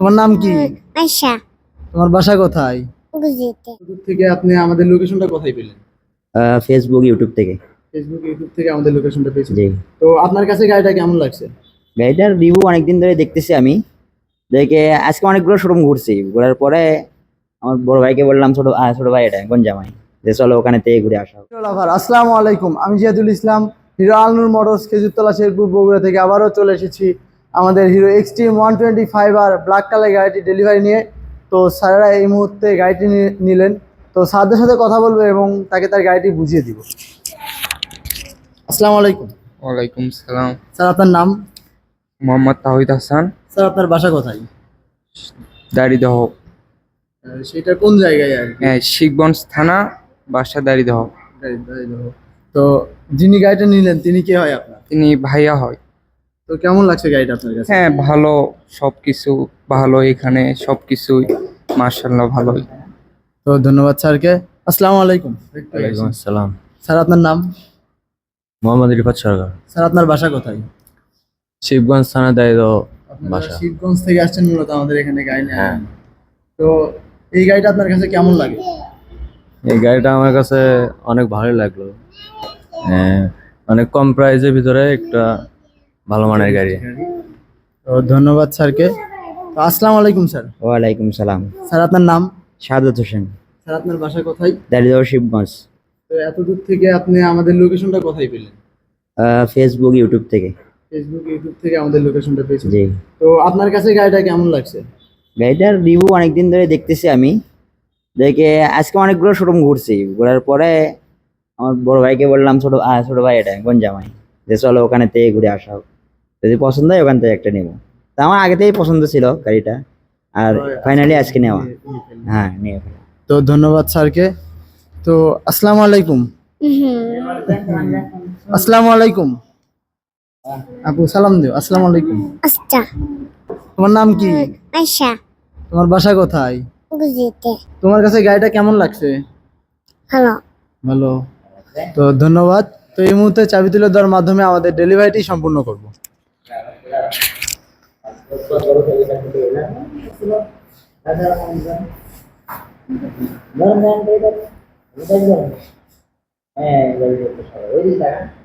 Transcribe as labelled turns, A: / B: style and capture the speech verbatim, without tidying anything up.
A: তোমার নাম কি?
B: আয়শা।
A: তোমার বাসা কোথায়?
B: বুঝিতে।
A: দূর থেকে আপনি আমাদের লোকেশনটা কোথায় পেলেন?
C: ফেসবুক ইউটিউব থেকে।
A: ফেসবুক ইউটিউব থেকে আমাদের লোকেশনটা পেয়েছেন।
C: জি।
A: তো আপনার কাছে গাড়িটা কেমন লাগছে?
C: গাড়িটার রিভিউ অনেকদিন ধরে দেখতেছি আমি, দেখে আজকে অনেকগুলো শোরুম ঘুরছি, ঘোরার পরে আমার বড় ভাইকে বললাম, ছোট আহ, ছোট ভাই এটা গঞ্জামাই, যে চলো ওখানে থেকে ঘুরে আসা হোক।
A: লাভার আসসালামু আলাইকুম, আমি জিয়াদুল ইসলাম, হিরো আলনুর মোটরস খেজুরতলা শেরপুর বগুড়া থেকে আবারও চলে এসেছি আমাদের Hero Xtreme one twenty five আর ব্ল্যাক কালার গাড়িটি ডেলিভারি নিয়ে। তো স্যারেরা এই মুহূর্তে গাড়িটি নিলেন, তো স্যারদের সাথে কথা বলবো এবং তাকে তার গাড়িটি বুঝিয়ে দিব। আসসালামু আলাইকুম।
D: ওয়ালাইকুম সালাম।
A: স্যার আপনার নাম?
D: মোহাম্মদ তাহিদ হাসান।
A: স্যার আপনার বাসা কোথায়?
D: দাড়িদহ।
A: আহ, সেটা কোন জায়গায় আর কি?
D: হ্যাঁ, শিখগঞ্জ থানা, বাসা দাড়িদহ।
A: গাড়ি- গাড়ি দাও। তো যিনি গাড়িটা নিলেন তিনি কে হয় আপনার?
D: তিনি ভাইয়া হয়।
A: তো কেমন লাগছে গাড়িটা আপনার কাছে?
D: হ্যাঁ, ভালো, সবকিছু ভালো, এখানে সবকিছুই মাশাআল্লাহ ভালোই।
A: তো ধন্যবাদ স্যারকে। আসসালামু আলাইকুম।
E: ওয়ালাইকুম আসসালাম।
A: স্যার আপনার নাম?
E: মোহাম্মদ রিফাত সরকার।
A: স্যার আপনার বাসা কোথায়?
E: শিবগঞ্জ থানা দায়িত্ব
A: আপনারা
E: বাসা।
A: শিবগঞ্জ থেকে আসছেন মূলত আমাদের এখানে গাড়ি নিয়ে।
E: হ্যাঁ।
A: তো এই গাড়িটা আপনার কাছে কেমন লাগে?
E: এই গাড়িটা আমার কাছে অনেক ভালো লাগলো, হ্যাঁ, অনেক কম প্রাইসের ভিতরে একটা ভালো মানের গাড়ি।
A: তো ধন্যবাদ স্যারকে। তো আসসালামু আলাইকুম স্যার।
C: ওয়ালাইকুম সালাম।
A: স্যার আপনার নাম?
C: সাদত হোসেন।
A: স্যার আপনার বাসা কোথায়?
C: দাড়িদহ শিবগঞ্জ।
A: তো এত দূর থেকে আপনি আমাদের লোকেশনটা কোথায় পেলেন?
C: ফেসবুক ইউটিউব থেকে।
A: ফেসবুক ইউটিউব থেকে আমাদের লোকেশনটা পেয়েছেন।
C: জি।
A: তো আপনার কাছে গাড়িটা কেমন লাগছে?
C: গাড়িটার রিভিউ অনেকদিন ধরে দেখতেছি আমি, দেখে আজকে অনেকগুলো শোরুম ঘুরছি, ঘোরার পরে আমার বড় ভাইকে বললাম, ছোট আহ, ছোট ভাই এটা গঞ্জামাই, যে চলো ওখানে থেকে ঘুরে আসা হোক, যদি পছন্দ হয় ওখান থেকে একটা নেবো। তা আমার আগে থেকেই পছন্দ ছিল গাড়িটা, আর ফাইনালি আজকে নেওয়া। হ্যাঁ, নিয়ে ফেলা।
A: তো ধন্যবাদ স্যারকে। তো আসসালামু আলাইকুম। আসসালামু আলাইকুম। আপু সালাম দিও। আসসালামু আলাইকুম।
B: আচ্ছা।
A: তোমার নাম কি?
B: আয়শা।
A: তোমার বাসা কোথায়?
B: বুঝিতে।
A: তোমার কাছে গাড়িটা কেমন লাগছে?
B: ভালো।
A: ভালো। তো ধন্যবাদ। তো এই মুহূর্তে চাবি তুলে দেওয়ার মাধ্যমে আমাদের ডেলিভারিটি সম্পূর্ণ করব।
C: হ্যাঁ।